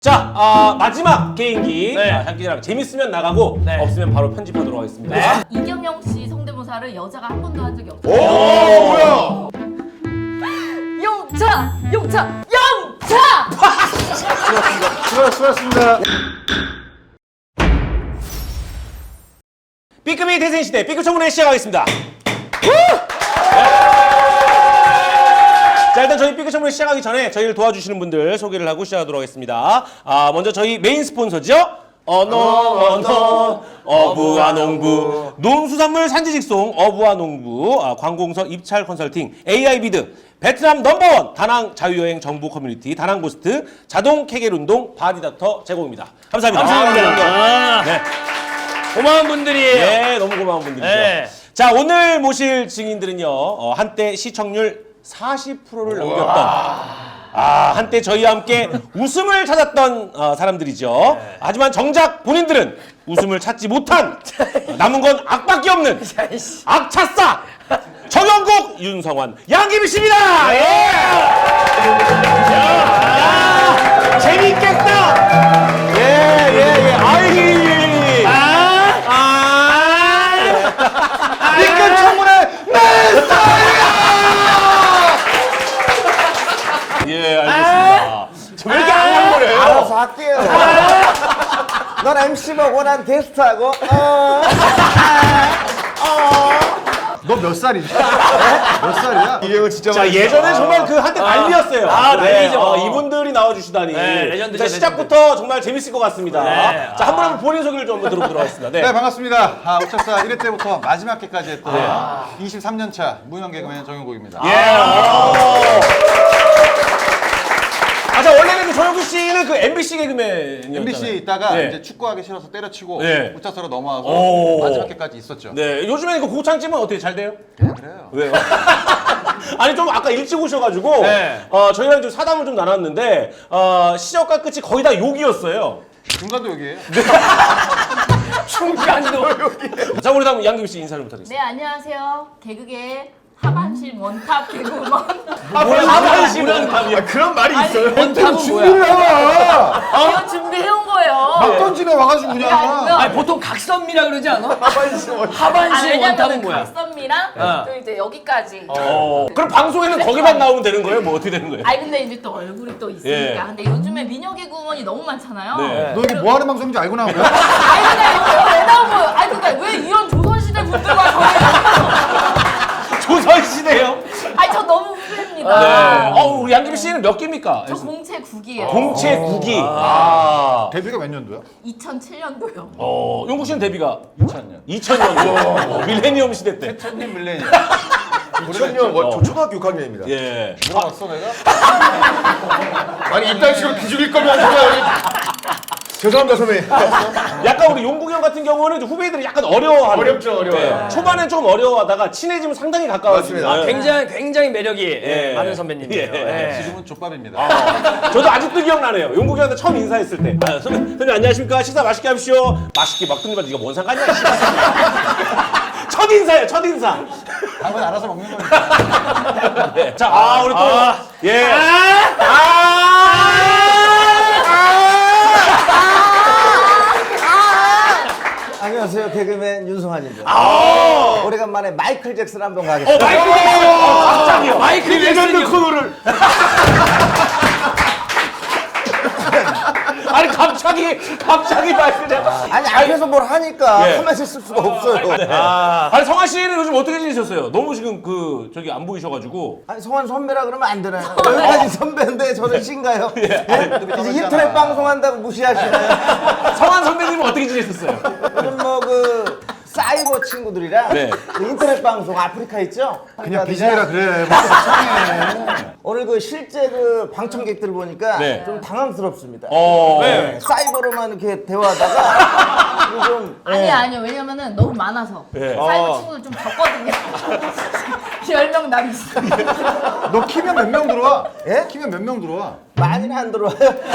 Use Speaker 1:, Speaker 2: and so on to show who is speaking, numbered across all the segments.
Speaker 1: 자, 마지막 개인기.
Speaker 2: 네.
Speaker 1: 장기자랑 재밌으면 나가고
Speaker 2: 네.
Speaker 1: 없으면 바로 편집하도록 하겠습니다.
Speaker 2: 네.
Speaker 3: 이경영 씨 성대모사를 여자가 한 번도 한 적이 없어요.
Speaker 4: 오, 뭐야?
Speaker 3: 영차! 영차! 영차!
Speaker 4: 수고하셨습니다.
Speaker 1: B급이 대생시대 B급 청문회 시작하겠습니다. 자, 일단 저희 B급 청문회 시작하기 전에 저희를 도와주시는 분들 소개를 하고 시작하도록 하겠습니다. 먼저 저희 메인 스폰서죠. 어부와농부 농수산물 산지직송 어부와농부 관공서 입찰 컨설팅 AI비드 베트남 넘버원 다낭 자유여행 정보 커뮤니티 다낭고스트 자동 케겔운동 바디닥터 제공입니다. 감사합니다.
Speaker 2: 감사합니다.
Speaker 1: 네.
Speaker 2: 고마운 분들이에요.
Speaker 1: 네, 너무 고마운 분들이죠.
Speaker 2: 네.
Speaker 1: 자, 오늘 모실 증인들은요, 한때 시청률 40%를 넘겼던, 한때 저희와 함께 웃음을 찾았던 사람들이죠.
Speaker 2: 네.
Speaker 1: 하지만 정작 본인들은 웃음을 찾지 못한, 남은 건 악밖에 없는 악차싸! 정영국, 윤성환, 양기미 씨입니다! 예! 야, 재밌겠다! 예. 아이!
Speaker 4: B급 청문회
Speaker 1: 예, 알겠습니다. 왜 이렇게 앙앙거려요?
Speaker 5: 알아서 할게요. 넌 MC 보고 난 게스트하고.
Speaker 4: 너 몇 살이냐? 몇 살이야? 이게 진짜
Speaker 1: 자, 예전에 정말 그 한때 난리였어요.
Speaker 2: 난리죠.
Speaker 1: 이분들이 나와주시다니.
Speaker 2: 네, 레전드죠,
Speaker 1: 자, 시작부터 정말 재밌을 것 같습니다.
Speaker 2: 네.
Speaker 1: 자, 한 분 한 분 본인 소개를 좀 한번 들어보도록 하겠습니다. 네.
Speaker 4: 네, 반갑습니다. 우차사 1회 때부터 마지막 회까지 했던 23년 차 무명 개그맨 정영국입니다.
Speaker 1: 자, 원래는 그 정영국 씨는 그 MBC 개그맨이었잖아요.
Speaker 4: MBC에 있다가
Speaker 1: 네.
Speaker 4: 이제 축구하기 싫어서 때려치고
Speaker 1: 네.
Speaker 4: 우차사로 넘어와서
Speaker 1: 오.
Speaker 4: 마지막 회까지 있었죠.
Speaker 1: 네, 요즘에는 그 고창집은 어떻게 잘 돼요?
Speaker 4: 그냥 그래요.
Speaker 1: 왜요? 아니, 좀 아까 일찍 오셔가지고,
Speaker 2: 네.
Speaker 1: 저희랑 좀 사담을 좀 나눴는데, 시작과 끝이 거의 다 욕이었어요.
Speaker 4: 중간도 여기에요.
Speaker 2: 중간도.
Speaker 1: 자, 우리 다음 양김 씨 인사 좀 부탁드리겠습니다.
Speaker 3: 네, 안녕하세요. 개그계 하반신 원탑 개그우먼.
Speaker 1: 하반신 원탑이요.
Speaker 4: 그런 말이
Speaker 3: 있어요?
Speaker 2: 원탑은
Speaker 4: 준비를 해와.
Speaker 3: 이거 준비해온 거예요.
Speaker 4: 막 던지네 와가지고 그냥.
Speaker 2: 아니 보통 각선미라 그러지 않아? 하반신
Speaker 3: 왜냐면
Speaker 2: 원탑은 뭐야?
Speaker 3: 각선미랑 또 이제 여기까지.
Speaker 1: 그럼 방송에는 거기만 나오면 되는 거예요? 뭐 어떻게 되는 거예요?
Speaker 3: 아니 근데 이제 또 얼굴이 또 있으니까.
Speaker 1: 예.
Speaker 3: 근데 요즘에 미녀 개그우먼이 너무 많잖아요.
Speaker 1: 네.
Speaker 4: 너 이게 뭐 하는 방송인지 알고 나온 거야?
Speaker 3: 아니 근데 이거 왜 나온 거예요? 아니 근데 왜 이런 조선시대 분들과 저희
Speaker 1: 조선시대요?
Speaker 3: 아니 저 너무 후배입니다.
Speaker 1: 우리 양김 씨는 몇 개입니까?
Speaker 3: 저 공채 9기예요.
Speaker 1: 공채 9기.
Speaker 4: 데뷔가 몇 년도야?
Speaker 3: 2007년도요.
Speaker 1: 용국 씨는 데뷔가
Speaker 4: 2000년.
Speaker 1: 2000년. 밀레니엄 시대 때.
Speaker 4: 천년 밀레니엄.
Speaker 5: 2000년 초등학교 6학년입니다.
Speaker 1: 예.
Speaker 4: 물어봤어 내가?
Speaker 5: 아니 이딴 식으로 기죽일 거면 죄송합니다 선배님.
Speaker 1: 약간 우리 용국 형 같은 경우는 이제 후배들이 약간 어려워하는.
Speaker 5: 어렵죠, 어려워요.
Speaker 1: 초반엔 좀 어려워하다가 친해지면 상당히 가까워집니다.
Speaker 5: 맞습니다.
Speaker 2: 굉장히 매력이
Speaker 1: 예.
Speaker 2: 많은 선배님이에요.
Speaker 1: 예.
Speaker 2: 예.
Speaker 4: 지금은 족밥입니다.
Speaker 1: 저도 아직도 기억나네요. 용국 형한테 처음 인사했을 때. 선배님 안녕하십니까? 식사 맛있게 하십시오. 맛있게 막 듣는 네가 뭔 상관이야? 첫 인사예요, 첫 인사.
Speaker 4: 한번 알아서 먹는 거니까.
Speaker 1: 네. 자, 우리 또 예.
Speaker 5: 안녕하세요 개그맨 윤성환입니다. 오래간만에 마이클 잭슨 한번 가겠습니다.
Speaker 1: 마이클 잭슨. 갑자기요.
Speaker 2: 마이클 잭슨이
Speaker 1: 코너를. 아니 갑자기 마이클 잭슨.
Speaker 5: 아니 앞에서 뭘 하니까
Speaker 1: 예.
Speaker 5: 가만히 있을 수가 없어요.
Speaker 1: 아니 성환 씨는 요즘 어떻게 지내셨어요? 너무 지금 저기 안 보이셔가지고.
Speaker 5: 아니 성환 선배라 그러면 안 되나요? 여기까지 선배인데 저는 신가요?
Speaker 1: 예.
Speaker 5: 이제 인터넷 방송한다고 무시하시나요?
Speaker 1: 성환 선배님은 어떻게 지내셨어요?
Speaker 5: 저는 뭐 그 사이버 친구들이랑
Speaker 1: 네.
Speaker 5: 그 인터넷 방송 아프리카 있죠?
Speaker 4: 그냥 비즈니라 그래. 막 속상해.
Speaker 5: 오늘 그 실제 그 방청객들 보니까
Speaker 1: 네.
Speaker 5: 좀 당황스럽습니다.
Speaker 1: 네.
Speaker 5: 사이버로만 이렇게 대화하다가 이거 좀
Speaker 3: 아니요. 왜냐면은 너무 많아서.
Speaker 1: 예.
Speaker 3: 사이버 친구들 좀 적거든요. 10명 남 있어요.
Speaker 4: 너 키면 몇 명 들어와?
Speaker 5: 예?
Speaker 4: 키면 몇 명 들어와?
Speaker 5: 많이는 안 들어와요.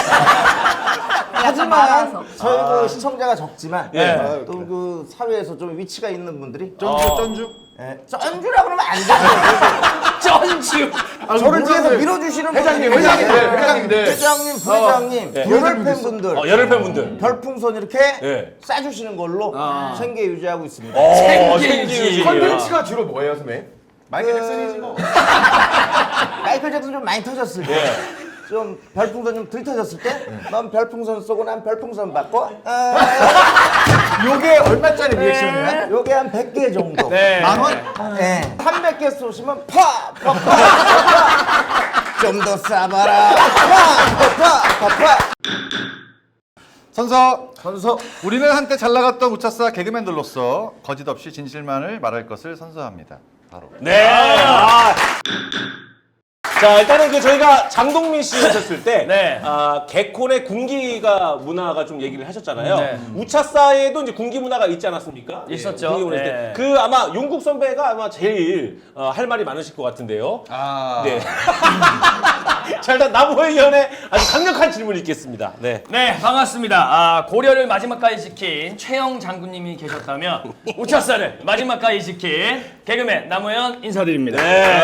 Speaker 5: 하지만
Speaker 3: 많아서.
Speaker 5: 저희 그 시청자가 적지만
Speaker 1: 예.
Speaker 5: 또 그 사회에서 좀 위치가 있는 분들이
Speaker 4: 전주.
Speaker 5: 예, 쩐주라 그러면 안 돼요.
Speaker 2: 쩐주.
Speaker 5: 저를 뒤에서 밀어주시는
Speaker 4: 회장님,
Speaker 5: 분들
Speaker 4: 회장님들.
Speaker 5: 회장님, 부회장님,
Speaker 1: 네.
Speaker 5: 열혈 팬분들
Speaker 1: 열혈 팬분들.
Speaker 5: 별풍선 이렇게
Speaker 1: 네.
Speaker 5: 쏴주시는 걸로 생계 유지하고 있습니다.
Speaker 2: 생계유지.
Speaker 6: 컨텐츠가 주로 뭐예요, 선배님?
Speaker 4: 마이클 잭슨이지 뭐.
Speaker 5: 마이클 잭슨 좀 많이 터졌을 때, 좀 별풍선 좀 덜 터졌을 때, 넌 별풍선 쏘고 난 별풍선 받고,
Speaker 4: 요게 얼마짜리 리액션이야?
Speaker 5: 요게 한 100개 정도.
Speaker 2: 네.
Speaker 4: 만 원?
Speaker 5: 네. 300개 쏘시면 좀 더 쏴봐라.
Speaker 4: 선서. 우리는 한때 잘 나갔던 우차사 개그맨들로서 거짓 없이 진실만을 말할 것을 선서합니다. 바로.
Speaker 1: 네. 자, 일단은 그 저희가 장동민 씨 오셨을 때
Speaker 2: 네.
Speaker 1: 개콘의 군기가 문화가 좀 얘기를 하셨잖아요.
Speaker 2: 네.
Speaker 1: 우차사에도 이제 군기 문화가 있지 않았습니까?
Speaker 2: 있었죠.
Speaker 1: 예, 군기 문화 있을 때.
Speaker 2: 네.
Speaker 1: 그 아마 용국 선배가 아마 제일 할 말이 많으실 것 같은데요. 네. 자, 일단 나무의 연애 아주 강력한 질문이 있겠습니다. 네.
Speaker 2: 네, 반갑습니다. 고려를 마지막까지 지킨 최영 장군님이 계셨다면 우차사를 마지막까지 지킨 개그맨 남우현 인사드립니다.
Speaker 1: 네.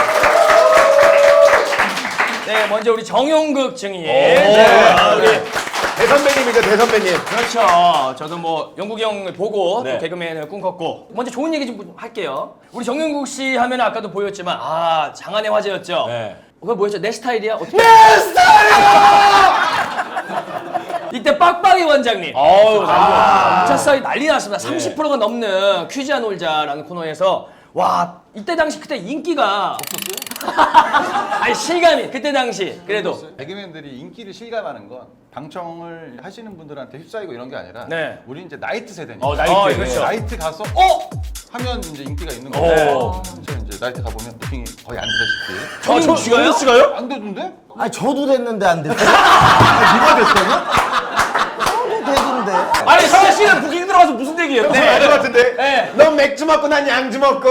Speaker 2: 네, 먼저 우리 정용국 증인.
Speaker 1: 오.
Speaker 2: 우리
Speaker 6: 대선배님이죠, 대선배님.
Speaker 2: 그렇죠. 저도 뭐 영국이 형을 보고
Speaker 1: 네.
Speaker 2: 또 개그맨을 꿈꿨고 먼저 좋은 얘기 좀 할게요. 우리 정용국 씨 하면 아까도 보였지만 장안의 화제였죠.
Speaker 1: 네.
Speaker 2: 그거 뭐였죠? 내 스타일이야? 어떻게? 내 스타일이야! 이때 빡빡이 원장님. 우차사에 난리 났습니다. 30%가 넘는 퀴즈야 놀자라는 코너에서 와 이때 당시 그때 인기가 없었어요? 아니 실감이 그때 당시 그래도
Speaker 4: 개그맨들이 인기를 실감하는 건 방청을 하시는 분들한테 휩싸이고 이런 게 아니라
Speaker 2: 네.
Speaker 4: 우리 이제 나이트 세대니까.
Speaker 1: 나이트.
Speaker 2: 그렇죠.
Speaker 4: 나이트 가서 하면 이제 인기가 있는
Speaker 1: 오.
Speaker 4: 거예요. 저 이제 나이트 가보면 부킹이 거의 안 되다시피.
Speaker 2: 정용 씨가요?
Speaker 1: 씨가요?
Speaker 4: 안 되던데?
Speaker 5: 아니 저도 됐는데 안 됐어요?
Speaker 4: 누가 됐어요?
Speaker 5: 저도 되던데.
Speaker 1: 아니, 성현 씨는 부킹 들어가서 무슨 얘기예요?
Speaker 6: 네, 알것 같은데.
Speaker 2: 네.
Speaker 6: 넌 맥주 먹고 난 양주 먹고.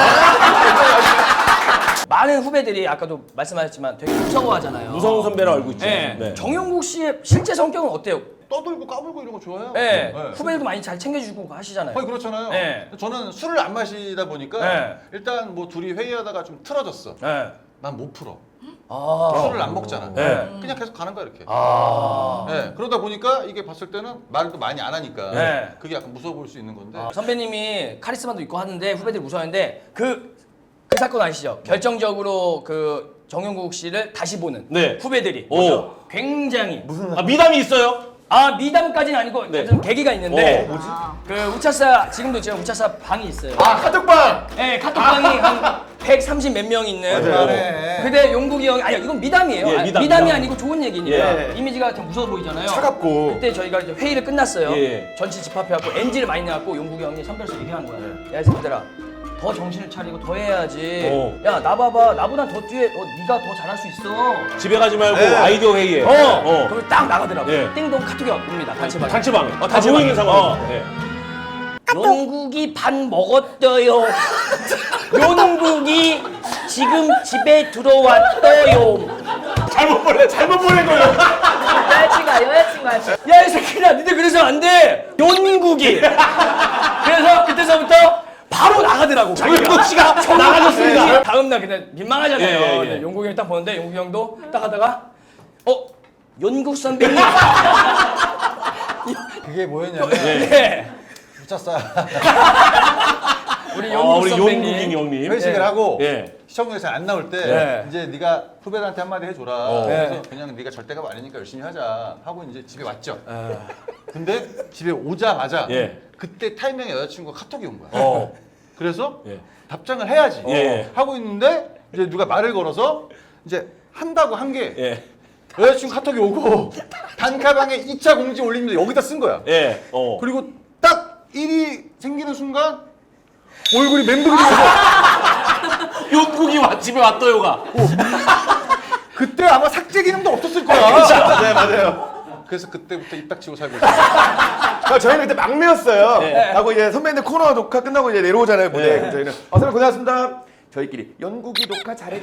Speaker 2: 많은 후배들이 아까도 말씀하셨지만 되게 무서워하잖아요.
Speaker 1: 무서운 선배라 알고 있죠.
Speaker 2: 네.
Speaker 1: 네.
Speaker 2: 정용국 씨의 실제 성격은 어때요?
Speaker 4: 떠들고 까불고 이런 거 좋아해요.
Speaker 2: 네.
Speaker 4: 네.
Speaker 2: 후배들도 많이 잘 챙겨주고 하시잖아요.
Speaker 4: 거의 그렇잖아요.
Speaker 2: 네.
Speaker 4: 저는 술을 안 마시다 보니까
Speaker 2: 네.
Speaker 4: 일단 뭐 둘이 회의하다가 좀 틀어졌어.
Speaker 2: 네.
Speaker 4: 난 못 풀어.
Speaker 2: 아.
Speaker 4: 술을 안 먹잖아.
Speaker 1: 네.
Speaker 4: 그냥 계속 가는 거야 이렇게.
Speaker 2: 아.
Speaker 4: 네. 그러다 보니까 이게 봤을 때는 말도 많이 안 하니까
Speaker 2: 네.
Speaker 4: 그게 약간 무서워 보일 수 있는 건데.
Speaker 2: 선배님이 카리스마도 있고 하는데 후배들이 무서워하는데 그 사건 아시죠? 결정적으로 그 정용국 씨를 다시 보는
Speaker 1: 네.
Speaker 2: 후배들이
Speaker 1: 오.
Speaker 2: 굉장히
Speaker 1: 미담이 있어요?
Speaker 2: 미담까지는 아니고
Speaker 1: 네.
Speaker 2: 좀 계기가 있는데
Speaker 1: 뭐지?
Speaker 2: 그 우차사 지금도 제가 우차사 방이 있어요.
Speaker 6: 카톡방.
Speaker 2: 네, 카톡방이 한 130 몇 명 있는.
Speaker 4: 그만해.
Speaker 2: 근데 용국이 형이 아니 이건 미담이에요.
Speaker 1: 예,
Speaker 2: 아니,
Speaker 1: 미담.
Speaker 2: 미담이 아니고 좋은 얘기니까
Speaker 6: 예.
Speaker 2: 이미지가 좀 무서워 보이잖아요.
Speaker 6: 차갑고.
Speaker 2: 그때 저희가 이제 회의를 끝났어요.
Speaker 1: 예.
Speaker 2: 전체 집합해갖고 NG를 많이 내갖고 용국이 형이 선별서 얘기한 거야. 야, 이 새끼들아. 더 정신을 차리고 더 해야지.
Speaker 1: 오.
Speaker 2: 야, 나 봐봐. 나보다 더 뒤에 네가 더 잘할 수 있어.
Speaker 1: 집에 가지 말고 아이디어 회의에.
Speaker 2: 그럼 딱 나가더라고.
Speaker 1: 예.
Speaker 2: 띵동 카톡이 옵니다. 단체방에.
Speaker 1: 단체방에. 다
Speaker 2: 단체방에.
Speaker 1: 모이는 상황. 네.
Speaker 2: 용국이 밥 먹었어요. 용국이 지금 집에 들어왔어요.
Speaker 1: 잘못 보낸 거예요.
Speaker 3: 여자친구야.
Speaker 2: 야, 이 새끼야, 니들 그래서 안 돼. 용국이. 그래서 그때서부터 바로 나가더라고.
Speaker 1: 정용국 씨가 나가셨습니다.
Speaker 2: 다음날 그냥 민망하잖아요.
Speaker 1: 예, 예, 예.
Speaker 2: 근데 용국이 형이 딱 보는데 용국이 형도 딱 하다가 용국 선배님.
Speaker 4: 그게 뭐였냐면
Speaker 2: 네.
Speaker 4: 우차사
Speaker 2: 우리 용국
Speaker 1: 우리
Speaker 2: 선배님.
Speaker 1: 용국인 형님.
Speaker 4: 회식을 하고
Speaker 1: 예.
Speaker 4: 시청률에서 안 나올 때
Speaker 2: 네.
Speaker 4: 이제 네가 후배들한테 한마디 해줘라.
Speaker 2: 네.
Speaker 4: 그래서 그냥 네가 절대가 아니니까 열심히 하자 하고 이제 집에 왔죠. 근데 집에 오자마자
Speaker 1: 예.
Speaker 4: 그때 타이밍에 여자친구가 카톡이 온 거야. 그래서
Speaker 1: 예.
Speaker 4: 답장을 해야지
Speaker 1: 예.
Speaker 4: 하고 있는데 이제 누가 말을 걸어서 이제 한다고 한 게
Speaker 1: 예.
Speaker 4: 여자친구 카톡이 오고 단카방에 2차 공지 올립니다. 여기다 쓴 거야.
Speaker 1: 예.
Speaker 4: 그리고 딱 일이 생기는 순간 얼굴이 멘붕이 되면서
Speaker 1: 용국이 집에 왔어요가.
Speaker 4: 그때 아마 삭제 기능도 없었을 거야. 네 맞아요. 그래서 그때부터 입 닥치고 살고 있어요.
Speaker 6: 저희는 그때 막내였어요.
Speaker 2: 네.
Speaker 6: 하고 이제 선배님들 코너 녹화 끝나고 이제 내려오잖아요, 무대.
Speaker 1: 네.
Speaker 6: 그래서 저희는 선배님 고생하셨습니다. 저희끼리 연국이 녹화 잘했다.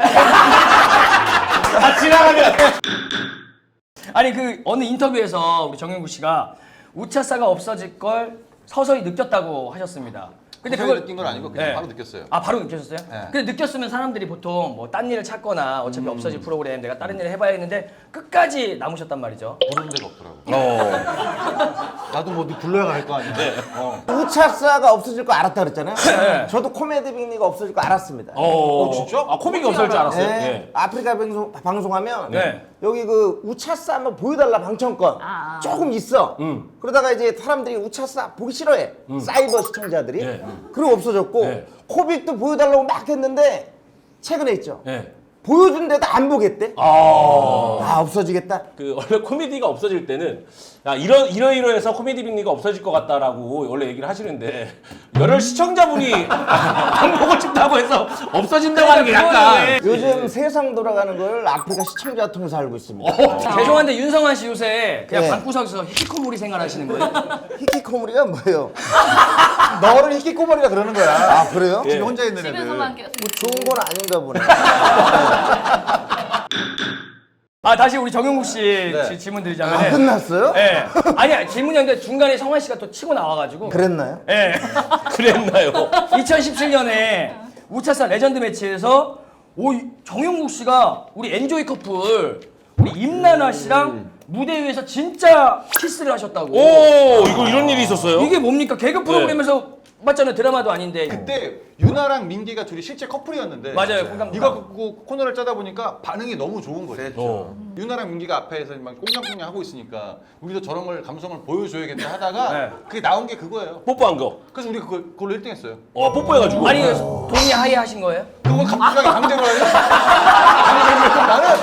Speaker 1: 다 지나가면.
Speaker 2: 아니 그 어느 인터뷰에서 우리 정영국 씨가 우차사가 없어질 걸 서서히 느꼈다고 하셨습니다. 근데
Speaker 4: 그걸
Speaker 2: 그걸
Speaker 4: 느낀 건 아니고 그냥
Speaker 2: 네.
Speaker 4: 바로 느꼈어요.
Speaker 2: 아 바로 느꼈었어요?
Speaker 4: 네.
Speaker 2: 근데 느꼈으면 사람들이 보통 뭐 딴 일을 찾거나 어차피 없어질 프로그램 내가 다른 일을 해봐야 했는데 끝까지 남으셨단 말이죠.
Speaker 4: 부르는 데가 없더라고. 나도 뭐 네 불러야 갈 거 아니야.
Speaker 5: 우차사가 없어질 거 알았다 그랬잖아요.
Speaker 2: 네.
Speaker 5: 저도 코미디 빅리가 없어질 거 알았습니다.
Speaker 1: 진짜? 아, 코믹이 없을 줄 알았어요.
Speaker 5: 네.
Speaker 1: 예.
Speaker 5: 아프리카 방송하면
Speaker 2: 네.
Speaker 5: 여기 그 우차사 한번 보여달라 방청권 조금 있어. 그러다가 이제 사람들이 우차사 보기 싫어해. 사이버 시청자들이.
Speaker 1: 네.
Speaker 5: 그리고 없어졌고
Speaker 1: 네.
Speaker 5: 코빅도 보여달라고 막 했는데 최근에 있죠.
Speaker 1: 예.
Speaker 5: 보여준데도 안 보겠대. 아 없어지겠다.
Speaker 1: 그 원래 코미디가 없어질 때는 야, 이러해서 코미디 빅리가 없어질 것 같다라고 원래 얘기를 하시는데 열혈 시청자분이 안 보고 싶다고 해서 없어진다고 하는 게 약간
Speaker 5: 요즘 세상 돌아가는 걸 아프리카 시청자 통해서 알고 있습니다.
Speaker 2: 죄송한데 윤성환 씨 요새 그냥
Speaker 5: 네.
Speaker 2: 방구석에서 히키코모리 생활하시는 거예요?
Speaker 5: 히키코모리가 뭐예요?
Speaker 4: 너를 히키코모리라 그러는 거야.
Speaker 5: 아 그래요?
Speaker 4: 집에 혼자 있는 애들.
Speaker 3: 집에서만 계속.
Speaker 5: 뭐 좋은 건 아닌가 보네.
Speaker 2: 아 다시 우리 정용국 씨
Speaker 4: 네.
Speaker 2: 질문
Speaker 5: 아,
Speaker 2: 드리자면
Speaker 5: 끝났어요?
Speaker 2: 예. 아니야 질문이 아닌데 중간에 성환 씨가 또 치고 나와가지고
Speaker 5: 그랬나요?
Speaker 2: 예.
Speaker 1: 그랬나요?
Speaker 2: 2017년에 우차사 레전드 매치에서 정용국 씨가 우리 엔조이 커플 우리 임나나 씨랑 무대 위에서 진짜 키스를 하셨다고.
Speaker 1: 이거 이런 일이 있었어요?
Speaker 2: 이게 뭡니까? 개그 프로그램에서 맞잖아요. 드라마도 아닌데.
Speaker 4: 그때 유나랑 민기가 둘이 실제 커플이었는데
Speaker 2: 맞아요. 공감.
Speaker 4: 이거 갖고 코너를 짜다 보니까 반응이 너무 좋은 거예요. 유나랑 민기가 앞에서 막 꽁냥꽁냥 하고 있으니까 우리도 저런 걸 감성을 보여줘야겠다 하다가
Speaker 2: 네.
Speaker 4: 그게 나온 게 그거예요.
Speaker 1: 뽀뽀한 거.
Speaker 4: 그래서 우리 그걸로 1등 했어요.
Speaker 1: 뽀뽀해가지고.
Speaker 2: 아니 동의 하에 하신 거예요?
Speaker 4: 그걸 갑자기 강제로 하냐?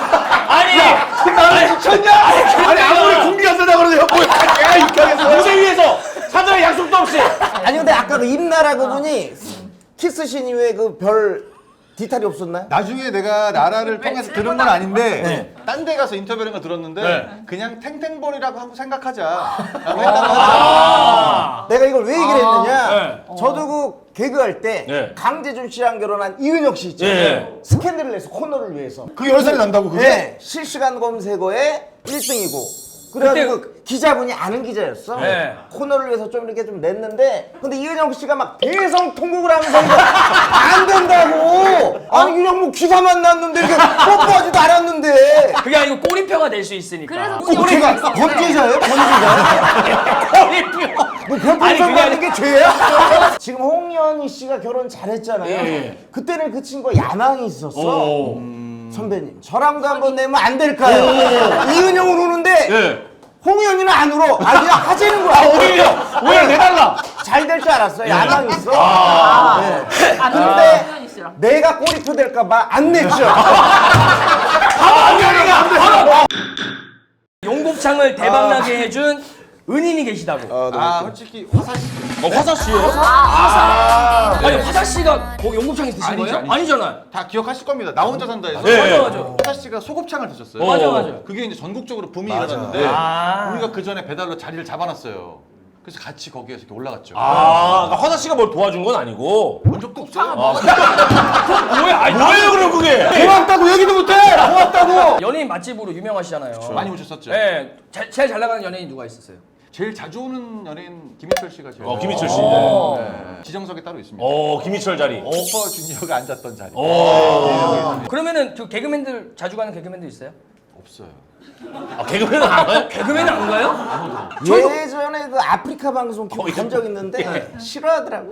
Speaker 2: 아니
Speaker 4: 미쳤냐? 아니 아무리 군기가 쓰다 그러는데 내가 입장했어.
Speaker 1: 무대 위에서 사전에 약속도 없이.
Speaker 5: 아니 근데 아까 그 임나라고 분이 키스신 이후에 그 별 디탈이 없었나요?
Speaker 4: 나중에 내가 나라를 통해서 들은 건 아닌데 딴 데 가서 인터뷰를 한 거 들었는데 그냥 탱탱볼이라고 하고 생각하자 라고 했다고 하더라고요.
Speaker 5: 내가 이걸 왜 얘기를 했느냐?
Speaker 2: 네.
Speaker 5: 저도 그 개그할 때
Speaker 1: 네.
Speaker 5: 강재준 씨랑 결혼한 이은혁 씨 있잖아요.
Speaker 1: 네.
Speaker 5: 스캔들을 내서 코너를 위해서.
Speaker 4: 그게 10살이 난다고 그게?
Speaker 5: 네. 실시간 검색어에 1등이고. 그래가지고 그 기자분이 아는 기자였어.
Speaker 2: 네.
Speaker 5: 코너를 위해서 좀 이렇게 좀 냈는데 근데 이은혁 씨가 막 대성통곡을 하면서 이거 안 된다고. 아니 그냥 뭐 기사만 났는데 이렇게 뽀뽀하지도 않았는데.
Speaker 2: 그게 아니고 꼬리표가 될 수 있으니까.
Speaker 3: 그래서
Speaker 5: 제가 번지자예요? 번지자?
Speaker 2: 꼬리표.
Speaker 5: 뭐
Speaker 2: 아니,
Speaker 5: 별풍선
Speaker 2: 그게
Speaker 5: 받는 게 죄야? 지금 홍현희 씨가 결혼 잘했잖아요.
Speaker 1: 예.
Speaker 5: 그때는 그 친구가 야망이 있었어. 선배님, 저랑도 한번 내면 안 될까요? 이은영은 우는데
Speaker 1: 예.
Speaker 5: 홍현이는 안 울어. 아 그냥 하재는 거야.
Speaker 1: 오히려 내달라.
Speaker 5: 잘 될 줄 알았어. 야망이 있어. 네.
Speaker 3: 아,
Speaker 5: 근데
Speaker 3: 현희 씨랑.
Speaker 5: 내가 꼬리표 될까봐 안 냈죠.
Speaker 2: 용곱창을 대박나게 해준 은인이 계시다고.
Speaker 4: 아 솔직히 화사시
Speaker 1: 화사 씨예요?
Speaker 2: 아니 화사 씨가 거기 용곱창에 드신
Speaker 4: 아니죠,
Speaker 2: 거예요?
Speaker 4: 아니죠.
Speaker 2: 아니잖아요.
Speaker 4: 다 기억하실 겁니다. 나 혼자 산다에서
Speaker 1: 네.
Speaker 2: 맞아.
Speaker 4: 화사 씨가 소곱창을 드셨어요.
Speaker 2: 맞아.
Speaker 4: 그게 이제 전국적으로 붐이 일어났는데
Speaker 2: 아.
Speaker 4: 우리가 그 전에 배달로 자리를 잡아놨어요. 그래서 같이 거기에서 이렇게 올라갔죠.
Speaker 1: 그러니까 화사 씨가 뭘 도와준 건 아니고.
Speaker 4: 본 적도 없어요.
Speaker 1: 뭐야? 아니, 뭐예요 그럼 그게?
Speaker 4: 고맙다고 얘기도 못해. 고맙다고.
Speaker 2: 연예인 맛집으로 유명하시잖아요.
Speaker 4: 많이 오셨었죠.
Speaker 2: 네. 제일 잘 나가는 연예인 누가 있었어요?
Speaker 4: 제일 자주 오는 연예인 김희철 씨가 제일.
Speaker 1: 김희철 씨.
Speaker 4: 네. 지정석에 따로 있습니다.
Speaker 1: 김희철 자리.
Speaker 4: 슈퍼 주니어가 앉았던 자리.
Speaker 2: 그러면은 그 개그맨들 자주 가는 개그맨들 있어요?
Speaker 4: 없어요.
Speaker 1: 개그맨은 안 와요?
Speaker 2: 개그맨은 안 가요?
Speaker 5: 예전에 그 아프리카 방송 간 적 있는데 싫어하더라고.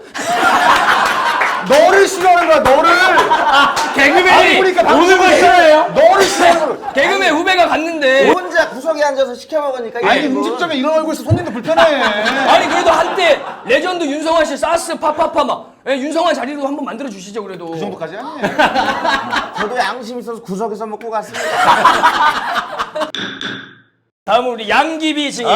Speaker 5: 너를 싫어하는 거야, 너를.
Speaker 2: 개그맨이
Speaker 1: 오는 거 싫어해요?
Speaker 5: 너를 싫어하는 거야.
Speaker 2: 개그맨 후배가 갔는데
Speaker 5: 혼자 구석에 앉아서 시켜 먹으니까
Speaker 4: 아니
Speaker 5: 이거.
Speaker 4: 음식점에 이런 얼굴 있어 손님도 불편해.
Speaker 2: 아니 그래도 한때 레전드 윤성환 씨 사스 파파파 막 윤성환 자리로 한번 만들어 주시죠 그래도.
Speaker 4: 그 정도까지 아니에요.
Speaker 5: 저도 양심 있어서 구석에서 먹고 갔습니다.
Speaker 2: 다음은 우리 양귀비 증인.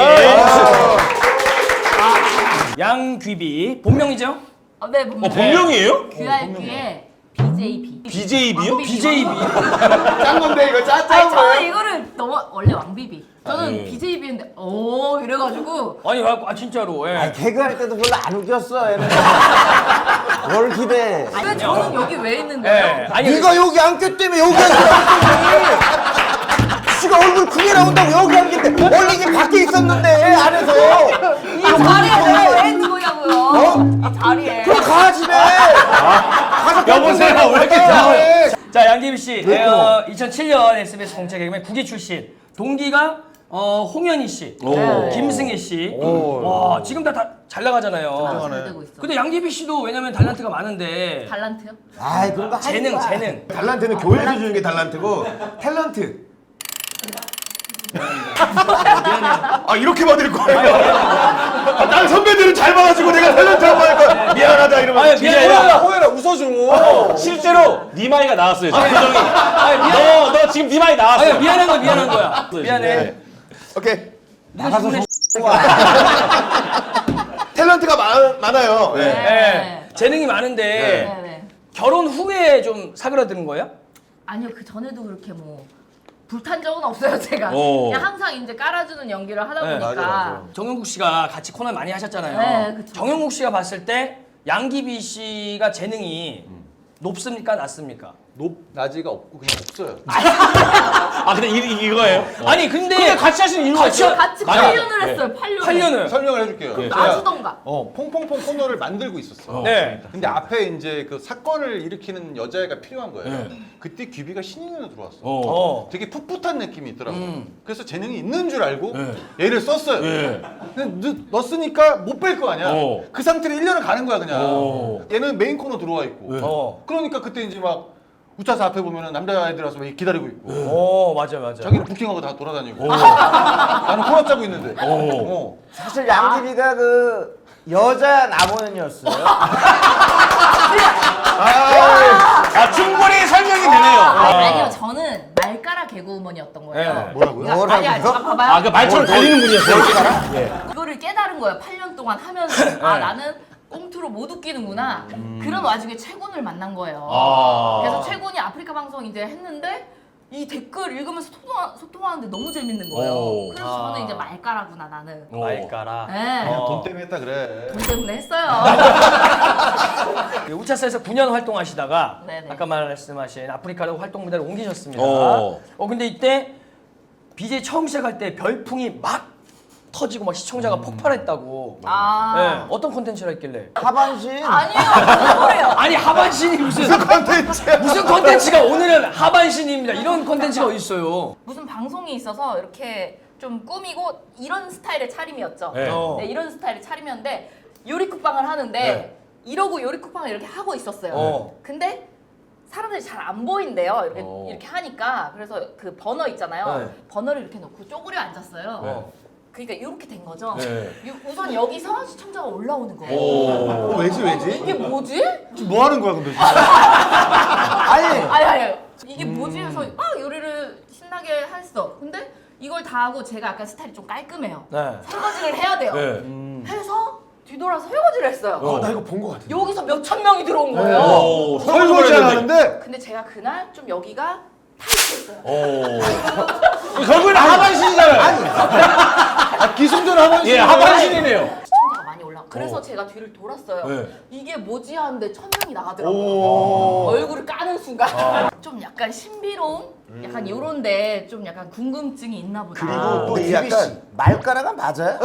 Speaker 2: 양귀비 본명이죠?
Speaker 3: 네, 본명.
Speaker 1: 본명이에요?
Speaker 3: QRQ의 BJB.
Speaker 1: BJB요?
Speaker 2: BJB.
Speaker 4: 짠 건데 이거
Speaker 3: 아니,
Speaker 4: 짠
Speaker 3: 저는
Speaker 4: 거예요.
Speaker 3: 이거를 너무 원래 왕비비. 저는
Speaker 1: 예.
Speaker 3: BJB인데 오 이래가지고
Speaker 2: 아니 진짜로. 예.
Speaker 5: 개그할 때도 별로 안 웃겼어. 얘는. 뭘 기대해.
Speaker 3: 왜 저는 여기 왜 있는데요?
Speaker 2: 예. 아니
Speaker 5: 네가 여기 앉기 때문에 여기 앉았지. 지가 얼굴 크게 나온다고 여기 앉겠대. 원래 이게 밖에 있었는데 안에서.
Speaker 3: 이 자리에 내가 왜 있는 거냐고요? 이 자리에.
Speaker 5: 그럼 가
Speaker 1: 여보세요, 왜 이렇게 좋아해?
Speaker 2: 자, 양귀비 씨, 2007년 SBS 공채 개그맨 국기 출신. 동기가 홍현희 씨,
Speaker 1: 오.
Speaker 2: 김승혜 씨. 와, 지금 다 잘 나가잖아요.
Speaker 3: 잘 되고 있어.
Speaker 2: 근데 양귀비 씨도 왜냐면 탤런트가 많은데
Speaker 3: 달란트요?
Speaker 5: 아이 그런 거 하지
Speaker 2: 재능,
Speaker 5: 마.
Speaker 2: 재능.
Speaker 6: 달란트는 교회에서 주는 게 달란트고 탤런트. 아 이렇게 받을 거예요. 난 선배들은 잘 받아주고 내가 탤런트 한 번 하니까 미안하다 이러면.
Speaker 2: 아니, 미안해요.
Speaker 5: 호연아 웃어줘.
Speaker 1: 실제로 니마이가 나왔어요. 지금 표정이.
Speaker 2: 아니, 미안.
Speaker 1: 너 지금 니마이 나왔어.
Speaker 2: 아니, 미안한 거야, 미안한 거야. 미안해.
Speaker 1: 네.
Speaker 6: 오케이.
Speaker 2: 나가서
Speaker 6: 탤런트가 많아요. 네.
Speaker 2: 네. 재능이 많은데
Speaker 3: 네.
Speaker 2: 결혼 후에 좀 사그라드는 거예요?
Speaker 3: 아니요, 그 전에도 그렇게 뭐 불탄 적은 없어요, 제가.
Speaker 1: 오.
Speaker 3: 그냥 항상 이제 깔아주는 연기를 하다
Speaker 2: 네,
Speaker 3: 보니까.
Speaker 6: 맞아.
Speaker 2: 정영국 씨가 같이 코너 많이 하셨잖아요.
Speaker 3: 네, 그쵸.
Speaker 2: 정영국 씨가 봤을 때 양귀비 씨가 재능이 높습니까, 낮습니까?
Speaker 4: 낮이가 없고 그냥 없어요.
Speaker 1: 아 근데 이거예요?
Speaker 2: 아니 근데
Speaker 1: 근데 같이 하시는 이유가
Speaker 2: 같이
Speaker 1: 있어요?
Speaker 3: 같이
Speaker 1: 맞아요.
Speaker 3: 8년을
Speaker 1: 네.
Speaker 3: 했어요, 8년.
Speaker 2: 8년을.
Speaker 4: 설명을 해줄게요.
Speaker 3: 놔주던가.
Speaker 4: 퐁퐁퐁 코너를 만들고 있었어.
Speaker 2: 네.
Speaker 4: 근데 앞에 이제 그 사건을 일으키는 여자애가 필요한 거예요.
Speaker 1: 네.
Speaker 4: 그때 귀비가 신인으로 들어왔어.
Speaker 2: 어.
Speaker 4: 되게 풋풋한 느낌이 있더라고. 그래서 재능이 있는 줄 알고
Speaker 1: 네.
Speaker 4: 얘를 썼어요.
Speaker 1: 네.
Speaker 4: 근데 넣었으니까 못 뺄 거 아니야.
Speaker 1: 어.
Speaker 4: 그 상태로 1년을 가는 거야 그냥.
Speaker 1: 어.
Speaker 4: 얘는 메인 코너 들어와 있고.
Speaker 2: 어.
Speaker 4: 그러니까 그때 이제 막 우차사 앞에 보면은 남자애들 와서 막 기다리고 있고.
Speaker 2: 맞아 맞아.
Speaker 4: 자기는 부킹하고 다 돌아다니고. 나는 코너 짜고 있는데. 어.
Speaker 5: 사실 양귀비가 그 여자 남호연이었어요.
Speaker 1: 아 충분히 설명이 되네요.
Speaker 3: 아니요, 저는 말가라 개그우먼이었던 거예요.
Speaker 2: 네.
Speaker 4: 뭐라고요?
Speaker 3: 아니, 잠깐 봐봐요.
Speaker 1: 아 그 말처럼 달리는 분이었어요.
Speaker 3: 그거를 깨달은 거예요. 8년 동안 하면서 아 나는 꽁트로 못 웃기는구나. 그런 와중에 최군을 만난 거예요.
Speaker 1: 아.
Speaker 3: 그래서 최군이 아프리카 방송 이제 했는데 이 댓글 읽으면서 소통하는데 너무 재밌는 거예요.
Speaker 1: 오.
Speaker 3: 그래서 저는 이제 말가라구나 나는.
Speaker 2: 말까라.
Speaker 3: 네.
Speaker 4: 돈 때문에 했다 그래.
Speaker 3: 돈 때문에 했어요.
Speaker 2: 우차사에서 9년 활동하시다가
Speaker 3: 네네.
Speaker 2: 아까 말씀하신 아프리카로 활동 무대를 옮기셨습니다.
Speaker 1: 어.
Speaker 2: 근데 이때 BJ 처음 시작할 때 별풍이 막 터지고 막 시청자가 폭발했다고.
Speaker 3: 아.
Speaker 2: 네. 어떤 콘텐츠를 했길래?
Speaker 5: 하반신.
Speaker 3: 아니에요. 무슨 소리예요?
Speaker 2: 아니 하반신이 무슨
Speaker 6: 컨텐츠야.
Speaker 2: 무슨 컨텐츠가 오늘은 하반신입니다. 이런 컨텐츠가 어디 있어요?
Speaker 3: 무슨 방송이 있어서 이렇게 좀 꾸미고 이런 스타일의 차림이었죠.
Speaker 1: 네.
Speaker 3: 네, 이런 스타일의 차림이었는데 요리쿡방을 하는데
Speaker 2: 네.
Speaker 3: 이러고 요리쿡방을 이렇게 하고 있었어요. 근데 사람들이 잘 안 보인대요. 이렇게 하니까. 그래서 그 버너 있잖아요.
Speaker 2: 네.
Speaker 3: 버너를 이렇게 놓고 쪼그려 앉았어요. 그러니까 이렇게 된 거죠.
Speaker 1: 네.
Speaker 3: 우선 여기서 시청자가 올라오는 거예요.
Speaker 1: 오.
Speaker 4: 왜지?
Speaker 3: 이게 뭐지?
Speaker 4: 지금 뭐 하는 거야 근데 지금?
Speaker 3: 아니 이게 뭐지 해서 막 요리를 신나게 했어. 근데 이걸 다 하고 제가 약간 스타일이 좀 깔끔해요.
Speaker 2: 네.
Speaker 3: 설거지를 해야 돼요.
Speaker 1: 네.
Speaker 3: 해서 뒤돌아서 설거지를 했어요.
Speaker 6: 나 이거 본 거 같아.
Speaker 3: 여기서 몇천 명이 들어온 거예요.
Speaker 1: 오.
Speaker 4: 설거지 안 하는데
Speaker 3: 근데 제가 그날 좀 여기가 타이트했어요.
Speaker 1: 오. 결국에는 하반신이잖아요.
Speaker 4: 기승전 하반신.
Speaker 1: 예, 하반신이네요.
Speaker 3: 시청자가 많이 올라. 그래서 제가 뒤를 돌았어요.
Speaker 1: 네.
Speaker 3: 이게 뭐지 하는데 1000명이 나가더라고요. 얼굴을 까는 순간. 좀 약간 신비로움? 약간 요런데 좀 약간 궁금증이 있나 보다.
Speaker 5: 그리고 또
Speaker 6: 이
Speaker 5: 이
Speaker 6: 약간
Speaker 5: 약간 말가라가 맞아요?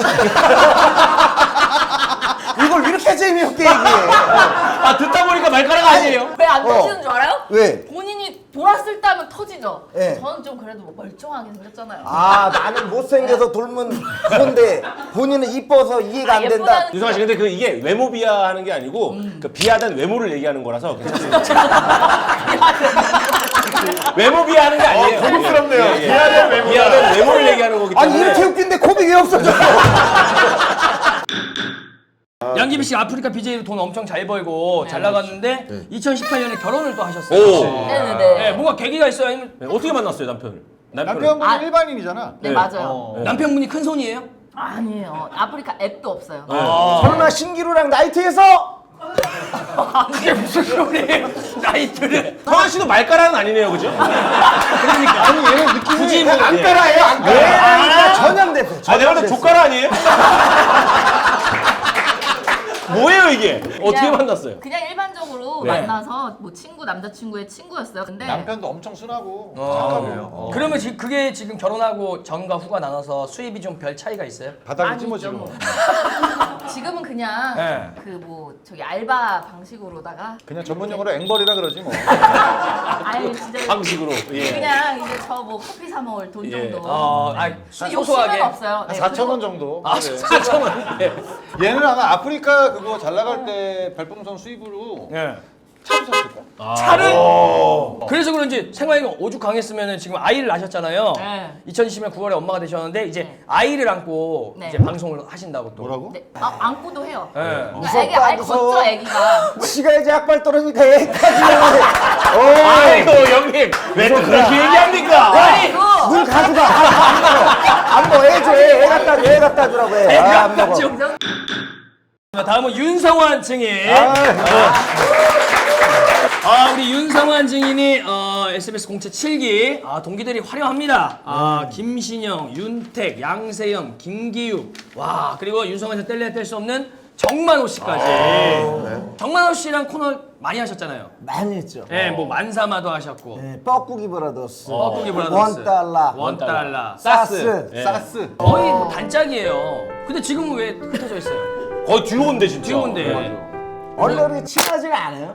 Speaker 5: 이걸 이렇게 재미없게 얘기해.
Speaker 1: 아 듣다 보니까 말가락 아니에요?
Speaker 3: 왜 안 터지는 줄 알아요?
Speaker 5: 왜?
Speaker 3: 본인이 돌았을 때 하면 터지죠.
Speaker 5: 네.
Speaker 3: 저는 좀 그래도 뭐 멀쩡하게 생겼잖아요.
Speaker 5: 아 나는 못생겨서 돌면 그건데 본인은 이뻐서 이해가 안 된다.
Speaker 3: 예쁘다는
Speaker 1: 유성아 씨 근데 그 이게 외모 비하하는 게 아니고 그 비하된 외모를 얘기하는 거라서 괜찮습니다. 외모 비하하는 게 아니에요.
Speaker 6: 고급스럽네요.
Speaker 1: 예, 예.
Speaker 6: 비하된 외모다.
Speaker 1: 비하된 외모를 얘기하는 거기
Speaker 5: 아니
Speaker 1: 때문에.
Speaker 5: 이렇게 웃긴데 코빅이 없어져.
Speaker 2: 양귀비 씨 아프리카 BJ로 돈 엄청 잘 벌고 잘 나갔는데 2018년에 결혼을 또 하셨어요.
Speaker 1: 오.
Speaker 3: 네네네.
Speaker 2: 네, 뭔가 계기가 있어요? 아니면
Speaker 1: 네, 어떻게 만났어요 남편을?
Speaker 4: 남편분은
Speaker 3: 아.
Speaker 4: 일반인이잖아.
Speaker 3: 네,
Speaker 1: 네.
Speaker 3: 맞아요.
Speaker 2: 남편분이 큰 손이에요?
Speaker 3: 아니에요. 아프리카 앱도 없어요.
Speaker 5: 설마 신기루랑 나이트에서?
Speaker 2: 그게 무슨 소리예요? 나이트를.
Speaker 1: 성환 씨도 말가락은 아니네요, 그죠?
Speaker 2: 그러니까.
Speaker 4: 아니 얘는 느낌이
Speaker 2: 굳이 뭐
Speaker 1: 예.
Speaker 6: 따라해요. 안 따라.
Speaker 5: 전염됐어.
Speaker 1: 아 내가 볼때 조카라 아니에요? 뭐예요 이게? 어떻게
Speaker 3: 그냥-
Speaker 1: 만났어요?
Speaker 3: 그냥 일반적으로
Speaker 1: 네.
Speaker 3: 만나서 뭐 친구 남자친구의 친구였어요. 근데
Speaker 4: 남편도 엄청 순하고
Speaker 2: 그러면 지금 그게 지금 결혼하고 전과 후가 나눠서 수입이 좀 별 차이가 있어요?
Speaker 4: 바닥이
Speaker 3: 아니죠,
Speaker 4: 찜어지고.
Speaker 3: 뭐. 지금은 그냥
Speaker 2: 네.
Speaker 3: 그 뭐 저기 알바 방식으로다가
Speaker 4: 그냥 전문 용어로 앵벌이라 그러지 뭐.
Speaker 3: 아예 진짜
Speaker 1: 방식으로. 예.
Speaker 3: 그냥 이제 저 뭐 커피 사 먹을 돈
Speaker 1: 예.
Speaker 3: 정도.
Speaker 2: 아니,
Speaker 3: 욕심은
Speaker 2: 소소하게.
Speaker 3: 없어요. 네,
Speaker 4: 4,000원 정도.
Speaker 2: 아,
Speaker 4: 그래.
Speaker 2: 4,000원. 예.
Speaker 4: 얘는 아마 아프리카 그거 잘 나갈 때 별풍선 수입으로
Speaker 2: 예.
Speaker 4: 차도 샀을까?
Speaker 2: 차를 그래서 그런지 생활이 오죽 강했으면 지금 아이를 낳으셨잖아요.
Speaker 3: 네.
Speaker 2: 2020년 9월에 엄마가 되셨는데 이제
Speaker 3: 네.
Speaker 2: 아이를 안고
Speaker 3: 네.
Speaker 2: 이제 방송을 하신다고 또.
Speaker 4: 뭐라고?
Speaker 3: 네. 안고도 해요.
Speaker 2: 예.
Speaker 3: 그러니까 애기 아예
Speaker 5: 무서워.
Speaker 3: 걷죠 애기가.
Speaker 5: 지가 이제 약발 떨어지니까 애까지 나가네.
Speaker 1: 아이고 형님 왜 또 그렇게 얘기합니까?
Speaker 2: 아니
Speaker 5: 물 가져가. 안 먹어. 애 줘. 애 갖다 주라고 해. 아, 안 먹어.
Speaker 2: 다음은 윤성환 증인. 우리 윤성환 증인이 SBS 공채 7기 동기들이 화려합니다. 김신영, 윤택, 양세형, 김기욱, 와 그리고 윤성환에서 뗄래야 뗄 수 없는 정만호 씨까지. 정만호 씨랑 코너 많이 하셨잖아요.
Speaker 5: 많이 했죠.
Speaker 2: 예, 뭐 만사마도 하셨고.
Speaker 5: 네, 뻐꾸기 브라더스.
Speaker 2: 뻐꾸기 브라더스.
Speaker 5: $1.
Speaker 2: $1.
Speaker 5: 사스.
Speaker 4: 사스.
Speaker 2: 거의 뭐 단짝이에요. 근데 지금은 왜 흩어져 있어요?
Speaker 1: 거의 듀오인데 진짜.
Speaker 2: 듀오인데.
Speaker 5: 얼굴이 친하지가 않아요.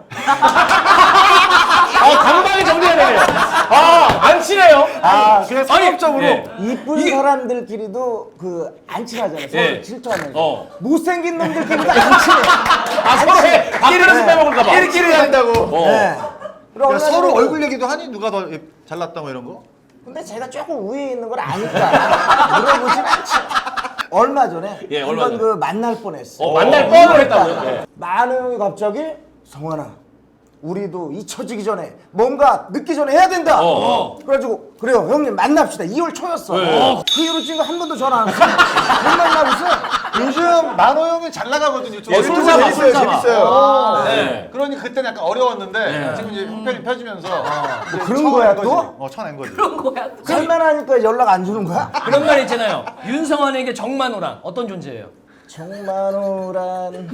Speaker 1: 간단하게 정리해야 되네요. 안 친해요.
Speaker 4: 그냥 상업적으로.
Speaker 1: 예.
Speaker 5: 이쁜 사람들끼리도 그 안 친하잖아요. 서로
Speaker 1: 예.
Speaker 5: 질투하면서. 못생긴 놈들끼리도 안 친해.
Speaker 1: 서로의 밥그릇을 빼먹을까봐.
Speaker 4: 끼리끼리 한다고.
Speaker 5: 네. 그럼
Speaker 4: 야,
Speaker 5: 얼마
Speaker 4: 서로
Speaker 5: 전에
Speaker 4: 얼굴 얘기도 하니 누가 더 잘났다 뭐 이런 거?
Speaker 5: 근데 제가 조금 우위에 있는 걸 아니까 물어보진 않지. 얼마 전에
Speaker 1: 예, 얼마
Speaker 5: 한번
Speaker 1: 전에.
Speaker 5: 그 만날 뻔했어.
Speaker 1: 만날 뻔을 했다고요? 네.
Speaker 5: 만우 형이 갑자기 성환아, 우리도 잊혀지기 전에 뭔가 늦기 전에 해야 된다. 그래가지고 그래요 형님 만납시다. 2월 초였어. 그 이후로 지금 한 번도 전화 안 했어. 못 만나고 있어.
Speaker 4: 요즘 만호 형이 잘 나가거든요.
Speaker 1: 예, 술사마,
Speaker 4: 재밌어요.
Speaker 1: 술사마.
Speaker 4: 재밌어요.
Speaker 1: 네.
Speaker 4: 그러니까 그때는 약간 어려웠는데 지금 이제 형편이 펴지면서 이제
Speaker 5: 그런
Speaker 4: 쳐낸
Speaker 5: 거야,
Speaker 4: 거지.
Speaker 5: 또?
Speaker 4: 쳐낸 거지.
Speaker 3: 그런 거야.
Speaker 5: 살만하니까 연락 안 주는 거야?
Speaker 2: 그런 말 있잖아요. 윤성환에게 정만호란 어떤 존재예요?
Speaker 5: 정만호란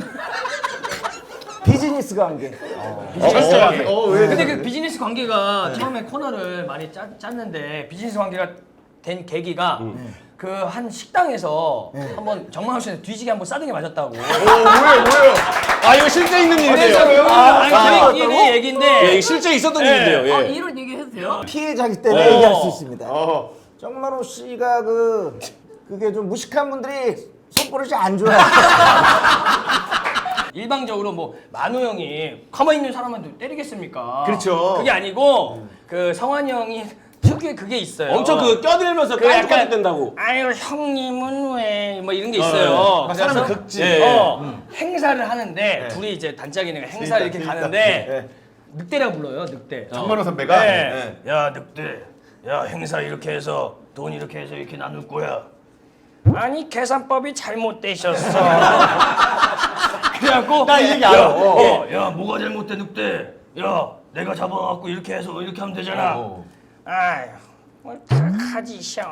Speaker 5: 비즈니스 관계.
Speaker 2: 비즈니스 관계.
Speaker 4: 왜?
Speaker 2: 근데 그 비즈니스 관계가 처음에 코너를 많이 짰는데 비즈니스 관계가 된 계기가 그 한 식당에서 한번 정만호 씨한테 뒤지게 한번 싸등이 맞았다고.
Speaker 4: 뭐예요?
Speaker 1: 이거 실제 있는 일인데요.
Speaker 2: 저희끼리 얘기인데
Speaker 1: 예, 이게 실제 있었던 일인데요. 예.
Speaker 3: 이런 얘기 해도 돼요?
Speaker 5: 피해자기 때문에 얘기할 수 있습니다. 정만호 씨가 그게 좀 무식한 분들이 손버릇이 안 좋아요.
Speaker 2: 일방적으로 뭐 만호 형이 가만히 있는 사람한테 때리겠습니까?
Speaker 1: 그렇죠.
Speaker 2: 그게 아니고 그 성환이 형이 특유의 그게 있어요.
Speaker 1: 엄청 그 껴들면서
Speaker 2: 그 약간
Speaker 1: 깐죽깐죽 된다고.
Speaker 2: 아유 형님은 왜 뭐 이런 게 있어요.
Speaker 1: 네.
Speaker 2: 그래서
Speaker 1: 사람을 긁지. 예.
Speaker 2: 행사를 하는데 둘이 이제 단짝이니까 행사를 이렇게 가는데 늑대라고 불러요. 늑대.
Speaker 4: 정만호 선배가.
Speaker 2: 네. 야 늑대. 야 행사 이렇게 해서 돈 이렇게 해서 이렇게 나눌 거야. 아니 계산법이 잘못되셨어. 그래갖고
Speaker 1: 나 이 얘기 알아.
Speaker 2: 야 뭐가 잘못돼 늑대. 야 내가 잡아갖고 이렇게 해서 이렇게 하면 되잖아. 아휴 뭘 하지 셔.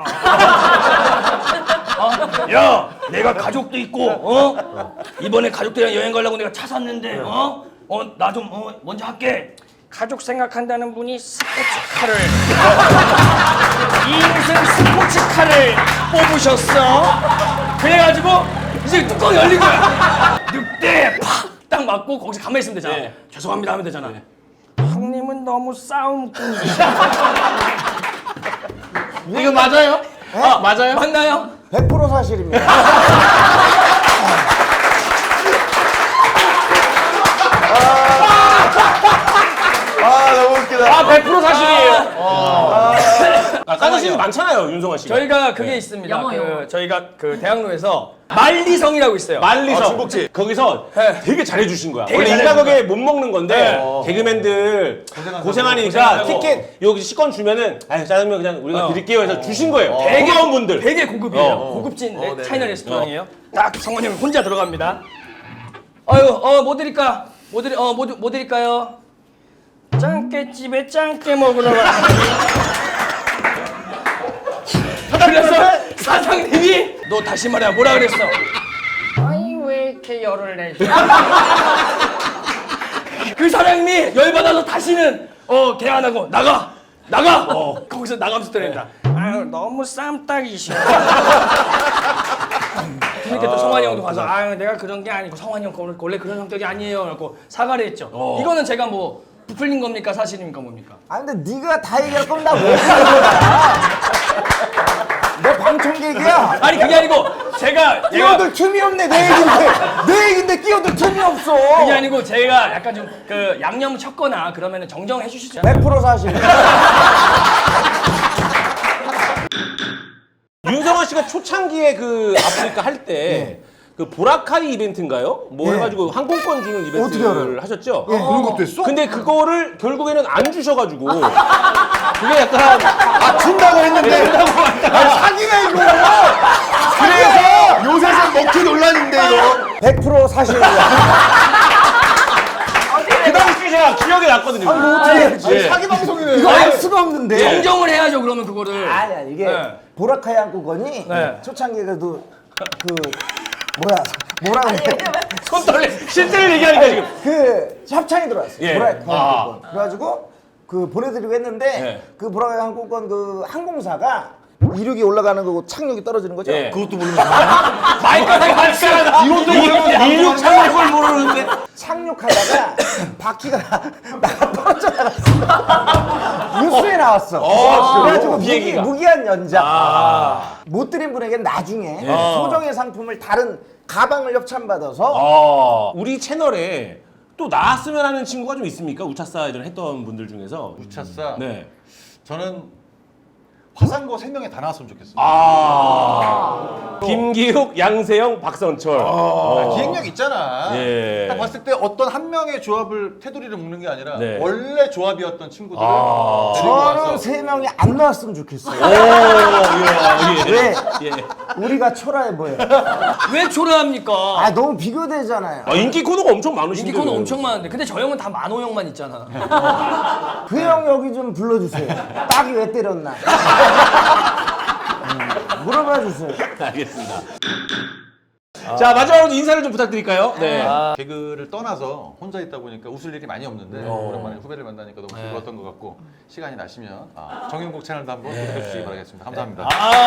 Speaker 2: 야 내가 가족도 있고 이번에 가족들이랑 여행 가려고 내가 차 샀는데 나 좀 먼저 할게. 가족 생각한다는 분이 스포츠카를 인생 스포츠카를 뽑으셨어. 그래가지고 이제 뚜껑이 열린 거야. 늑대 팍딱 맞고 거기서 가만히 있으면 되잖아.
Speaker 1: 네.
Speaker 2: 죄송합니다 하면 되잖아. 형님은 너무 싸움꾼이셔.
Speaker 1: 이거 맞아요? 맞아요?
Speaker 2: 맞나요?
Speaker 5: 100% 사실입니다.
Speaker 4: 너무 웃기다.
Speaker 1: 100% 사실이에요. 까드시는 많잖아요, 윤성환 씨가.
Speaker 2: 저희가 그게 있습니다.
Speaker 3: 영어, 영어.
Speaker 2: 저희가 그 대학로에서 만리성이라고 있어요.
Speaker 1: 만리성.
Speaker 4: 중복지.
Speaker 1: 거기서
Speaker 2: 네.
Speaker 1: 되게 잘해주신 거야.
Speaker 2: 되게
Speaker 1: 원래
Speaker 2: 잘해준
Speaker 1: 인가격에 못 먹는 건데 개그맨들
Speaker 2: 고생하고.
Speaker 1: 고생하니까 티켓 여기 식권 주면은 짜장면 그냥 우리가 드릴게요 해서 주신 거예요. 고마운 분들.
Speaker 2: 되게 고급이에요. 고급진 차이나 레스토랑이에요. 딱 성원이 형 혼자 들어갑니다. 뭐 드릴까? 뭐 드릴까요? 짱깨집에 짱깨 먹으러 가. 그래서 사장님이 너 다시 말해 뭐라 그랬어? 아니 왜 이렇게 열을 내지? 그 사장님이 열받아서 다시는 개 안 하고 나가. 거기서 나가면서 때린다. 아유 너무 쌈딱이셔. 그러니까 또 성환이 형도 가서 아 내가 그런 게 아니고 성환이 형 원래 그런 성격이 아니에요. 그래고 사과를 했죠. 이거는 제가 뭐 부풀린 겁니까 사실입니까 뭡니까?
Speaker 5: 아 근데 네가 다 얘기할 거면 나왜 하는 거야? 너 방청객이야.
Speaker 2: 아니 그게 아니고 제가
Speaker 5: 끼어들 틈이 없네 내 얘긴데 끼어들 틈이 없어.
Speaker 2: 그게 아니고 제가 약간 좀 그 양념 쳤거나 그러면은 정정해 주시죠.
Speaker 5: 100% 사실.
Speaker 1: 윤성환 씨가 초창기에 그 아프리카 할 때 그 보라카이 이벤트인가요? 뭐
Speaker 5: 예.
Speaker 1: 해가지고 항공권 주는
Speaker 5: 어떻게
Speaker 1: 이벤트를
Speaker 5: 알아요?
Speaker 1: 하셨죠?
Speaker 4: 그런 것도 했어?
Speaker 1: 근데 그거를 결국에는 안 주셔가지고 그게 약간
Speaker 4: 준다고 했는데 사기가 이거. 그래서 요새서 먹튀 논란인데 이거.
Speaker 5: 100% 사실이야.
Speaker 1: 그 당시 제가 기억이 났거든요.
Speaker 5: 어떻게
Speaker 1: 예.
Speaker 4: 사기 방송이네.
Speaker 5: 이거 알 수가 없는데.
Speaker 2: 정정을 해야죠 그러면 그거를.
Speaker 5: 아니야 이게
Speaker 2: 네.
Speaker 5: 보라카이 항공권이
Speaker 2: 네.
Speaker 5: 초창기에 그래도 뭐라 그래?
Speaker 1: 손 떨려. 실제를 얘기하니까 지금.
Speaker 5: 그 협찬이 들어왔어요.
Speaker 1: 예.
Speaker 5: 보라카이 항공권. 그래가지고 그 보내드리고 했는데
Speaker 1: 예.
Speaker 5: 그 보라카이 항공권 그 항공사가 이륙이 올라가는 거고 착륙이 떨어지는 거죠.
Speaker 1: 예.
Speaker 4: 그것도 모르는
Speaker 1: 발가락 이것도 이륙 착륙을 모르는데.
Speaker 5: 착륙하다가 바퀴가 나가 떨어져 나갔어. 뉴스에 나왔어. 그래가지고
Speaker 1: 비행기가.
Speaker 5: 무기한 연장. 못 드린 분에게는 나중에 소정의 상품을 다른 가방을 협찬받아서
Speaker 1: 우리 채널에 또 나왔으면 하는 친구가 좀 있습니까? 우차사 예전에 했던 분들 중에서.
Speaker 4: 우차사.
Speaker 1: 네.
Speaker 4: 저는 화상고 3명에 다 나왔으면 좋겠어요.
Speaker 1: 김기욱, 양세형, 박선철.
Speaker 4: 기획력 있잖아.
Speaker 1: 예.
Speaker 4: 딱 봤을 때 어떤 한 명의 조합을 테두리를 묶는 게 아니라
Speaker 1: 네.
Speaker 4: 원래 조합이었던 친구들을 데리고
Speaker 5: 저는
Speaker 4: 와서
Speaker 5: 3명이 안 나왔으면 좋겠어요.
Speaker 1: 예.
Speaker 5: 왜?
Speaker 1: 예.
Speaker 5: 우리가 초라해 보여.
Speaker 2: 왜 초라합니까?
Speaker 5: 아 너무 비교되잖아요.
Speaker 1: 인기 코너가 엄청 많으신데.
Speaker 2: 인기 코너 엄청 많은데 근데 저 형은 다 만호 형만 있잖아.
Speaker 5: 그 형 여기 좀 불러주세요. 딱이 왜 때렸나? 물어봐 주세요.
Speaker 1: 알겠습니다. 자, 마지막으로 인사를 좀 부탁드릴까요? 네.
Speaker 4: 개그를 떠나서 혼자 있다 보니까 웃을 일이 많이 없는데 오랜만에 후배를 만나니까 너무 즐거웠던 것 같고 시간이 나시면 정윤국 채널도 한번 구독해 주시기 바라겠습니다. 감사합니다.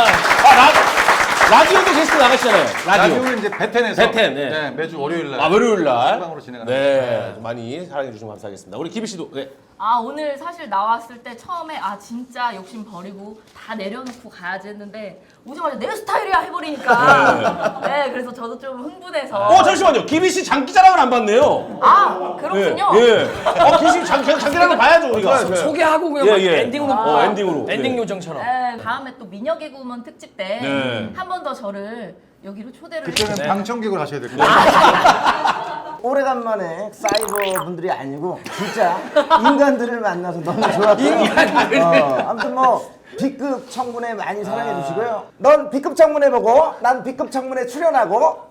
Speaker 1: 라디오도 게스트 나가시잖아요. 라디오.
Speaker 4: 라디오는 이제 베텐에서
Speaker 1: 베텐, 네.
Speaker 4: 네, 매주 월요일 날
Speaker 1: 월요일 날.
Speaker 4: 생방으로 진행하는
Speaker 1: 네. 좀 많이 사랑해 주시면 감사하겠습니다. 우리 기비 씨도. 네.
Speaker 3: 아 오늘 사실 나왔을 때 처음에 아 진짜 욕심 버리고 다 내려놓고 가야지 했는데 오자마자 내 스타일이야 해버리니까 네 그래서 저도 좀 흥분해서
Speaker 1: 잠시만요. 기비 씨 장기자랑을 안 봤네요.
Speaker 3: 아 그렇군요.
Speaker 1: 예. 기비 씨 장기자랑을 봐야죠, 우리가.
Speaker 2: 소개하고 그냥
Speaker 1: 예,
Speaker 2: 막
Speaker 1: 예.
Speaker 2: 엔딩으로
Speaker 1: 엔딩으로.
Speaker 2: 엔딩
Speaker 1: 네.
Speaker 2: 요정처럼.
Speaker 3: 네, 다음에 또 미녀 개구먼 특집 때 한
Speaker 1: 네.
Speaker 3: 번 더 저를 여기로 초대를
Speaker 4: 그때는
Speaker 3: 해주세요.
Speaker 4: 방청객으로 하셔야 될 거예요.
Speaker 5: 오래간만에 사이버 분들이 아니고 진짜 인간들을 만나서 너무 좋았고요. 아무튼 뭐 B급 청문회 많이 사랑해 주시고요. 넌 B급 청문회 보고 난 B급 청문회 출연하고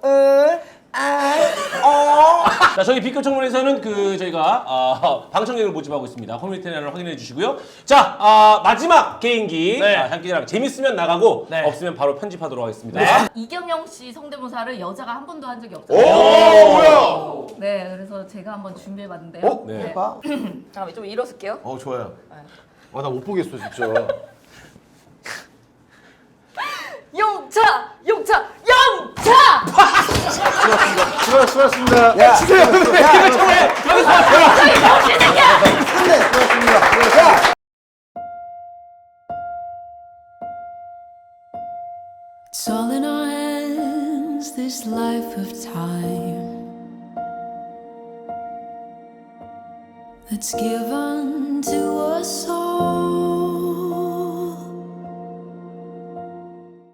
Speaker 1: 자, 저희 B급 청문회에서는 저희가 방청객을 모집하고 있습니다. 커뮤니티 내용을 확인해 주시고요. 자, 마지막 개인기.
Speaker 2: 네.
Speaker 1: 장기자랑 재밌으면 나가고
Speaker 2: 네.
Speaker 1: 없으면 바로 편집하도록 하겠습니다.
Speaker 3: 이경영 씨 성대모사를 여자가 한 번도 한 적이
Speaker 1: 오,
Speaker 3: 없어요.
Speaker 1: 뭐야?
Speaker 3: 네, 그래서 제가 한번 준비해봤는데요.
Speaker 1: 네.
Speaker 5: 해봐.
Speaker 3: 잠깐만 좀 일어설게요.
Speaker 4: 좋아요. 와 나 못 보겠어 진짜.
Speaker 3: 용차, 용차, 용차!
Speaker 4: 수고하셨습니다.
Speaker 5: 야, 주세요.
Speaker 7: It's all in our hands, this life of time that's given to us all.